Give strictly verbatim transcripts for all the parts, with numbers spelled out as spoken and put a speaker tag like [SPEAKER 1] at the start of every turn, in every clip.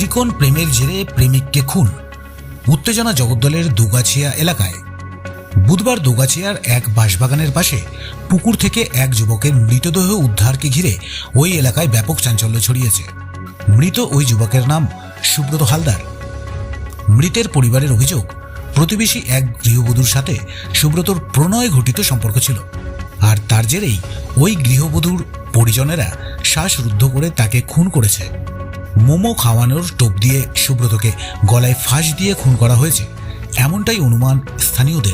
[SPEAKER 1] ত্রিকোণ প্রেমের জেরে প্রেমিককে খুন, উত্তেজনা জগদ্দলের দুগাছিয়া এলাকায়। বুধবার দুগাছিয়ার এক বাঁশবাগানের পাশে পুকুর থেকে এক যুবকের মৃতদেহ উদ্ধারকে ঘিরে ওই এলাকায় ব্যাপক চাঞ্চল্য ছড়িয়েছে। মৃত ওই যুবকের নাম সুব্রত হালদার। মৃতের পরিবারের অভিযোগ, প্রতিবেশী এক গৃহবধূর সাথে সুব্রতর প্রণয় ঘটিত সম্পর্ক ছিল, আর তার জেরেই ওই গৃহবধূর পরিজনেরা শ্বাসরুদ্ধ করে তাকে খুন করেছে। মোমো খাওয়ানোর টোপ দিয়ে সুব্রতকে গলায় ফাঁস দিয়ে খুন করা হয়েছে, এমনটাই অনুমান স্থানীয়দের।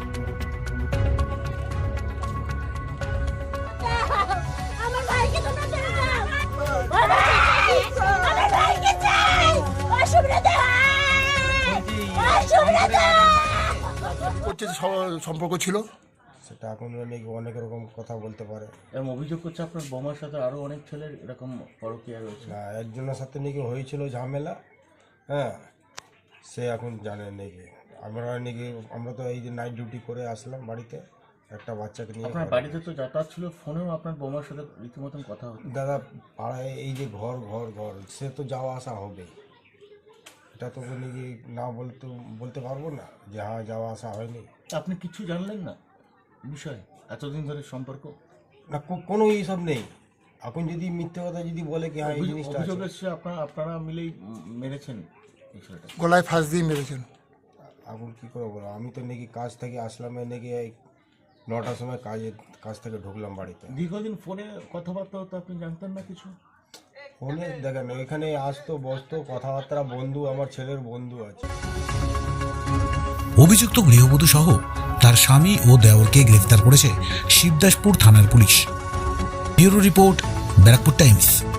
[SPEAKER 2] সম্পর্ক ছিল
[SPEAKER 3] সেটা এখন অনেক অনেক রকম কথা বলতে পারে।
[SPEAKER 4] এরকম অভিযোগ করছে আপনার বোমার সাথে আরও অনেক ছেলের এরকম পরকীয়া রয়েছে।
[SPEAKER 3] না, একজনের সাথে নাকি হয়েছিল ঝামেলা, হ্যাঁ, সে এখন জানে নাকি। আমরা নাকি আমরা তো এই যে নাইট ডিউটি করে আসলাম বাড়িতে, একটা বাচ্চাকে নিয়ে।
[SPEAKER 4] আপনার বাড়িতে তো যাতায়াত ছিল, ফোনেও আপনার বোমার সাথে রীতিমতন কথা হতো।
[SPEAKER 3] দাদা, পাড়ায় এই যে ঘর ঘর ঘর সে তো যাওয়া আসা হবে, এটা তো নাকি না বলতে বলতে পারবো না যে হ্যাঁ যাওয়া আসা হয়নি।
[SPEAKER 4] আপনি কিছু জানলেন না বিষয় এতদিন ধরে সম্পর্ক?
[SPEAKER 3] না, কোনো এইসব নেই। এখন যদি মিথ্যে কথা যদি বলে কি হ্যাঁ এই জিনিসটা
[SPEAKER 4] অভিযোগ এসছে আপনারা আপনারা মিলেই মেরেছেন এই ছেলেটা,
[SPEAKER 2] গলায় ফাঁস দিয়ে মেরেছেন।
[SPEAKER 3] এখন কী করে বলো, আমি তো নাকি কাজ থেকে আসলাম, নাকি এই নটার সময় কাজে কাজ থেকে ঢুকলাম বাড়িতে।
[SPEAKER 4] দীর্ঘদিন ফোনে কথাবার্তা হতো, আপনি জানতেন না কিছু?
[SPEAKER 3] ফোনে দেখেন এখানে আসতো বসতো কথাবার্তা, বন্ধু, আমার ছেলের বন্ধু আছে।
[SPEAKER 1] অভিযুক্ত গৃহবধূ সহ তার স্বামী ও দেওরকে গ্রেফতার করেছে শিবদাসপুর থানার police. Bureau report, Barrackpore Times.